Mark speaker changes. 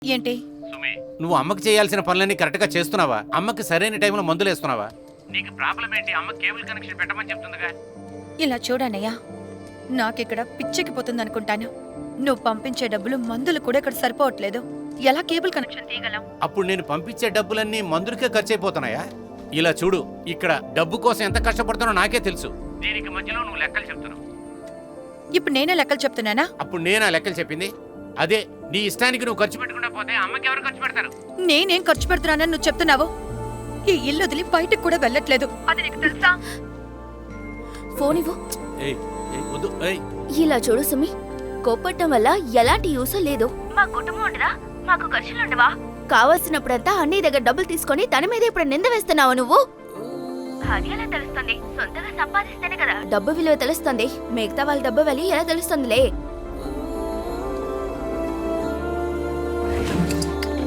Speaker 1: ఏంటి?
Speaker 2: సుమి, నువ్వు అమ్మకి చేయాల్సిన పనులన్నీ కరెక్ట్ గా చేస్తున్నావా? అమ్మకి సరైన టైంలో మందులు వేస్తున్నావా? నీకు ప్రాబ్లం ఏంటి? అమ్మ కేబుల్ కనెక్షన్ పెట్టమని చెప్తుందిగా.
Speaker 1: ఇలా చూడన్నయ్యా, నాకిక్కడ పిచ్చెక్కిపోతుంది అనుకుంటాను. నువ్వు పంపించే డబ్బులు మందులు కూడా ఇక్కడ సరిపోవట్లేదు. ఎలా కేబుల్ కనెక్షన్ తీయగలం?
Speaker 2: అప్పుడు నేను పంపించే డబ్బులన్నీ మందులకే ఖర్చు అయిపోతున్నాయా? ఇలా చూడు, ఇక్కడ డబ్బు కోసం ఎంత కష్టపడుతానో నాకే తెలుసు. దీనికి మధ్యలో నువ్వు లెక్కలు చెప్తున్నావు.
Speaker 1: ఇప్పుడు నేనే లెక్కలు చెప్తున్నానా?
Speaker 2: అప్పుడు నేనా లెక్కలు చెప్పింది? అదే నీ ఇష్టానికి నువ్వు ఖర్చు పెట్టకుండా పోతే అమ్మకి ఎవరు ఖర్చు పెడతారు?
Speaker 1: నేనేం ఖర్చు పెడుతున్నానని నువ్వు చెప్తున్నావు? ఈ ఇల్లు వదిలి బయటకు కూడా వెళ్ళట్లేదు. అది నీకు తెలుసా?
Speaker 3: ఫోన్ ఇవ్వు.
Speaker 2: ఏయ్, ఏయ్, వద్దు, ఏయ్.
Speaker 3: ఇలా చూడు సుమి, కోప్పట్టం వల్ల ఎలాంటి యూస్ లేదు.
Speaker 1: మా కుటుంబం ఉండదా? మాకు ఖర్చులుండవా?
Speaker 3: కావాల్సినప్పుడంతా అన్ని దగ్గర డబ్బులు తీసుకొని తన మీద ఇప్పుడు నింద వేస్తున్నావు నువ్వు.
Speaker 1: అది ఎలా తెలుస్తుంది? సొంతగా సంపాదిస్తేనే కదా.
Speaker 3: డబ్బు విలువ తెలుస్తుంది, మిగతా వాళ్ళ డబ్బు విలువ ఎలా తెలుస్తుందిలే.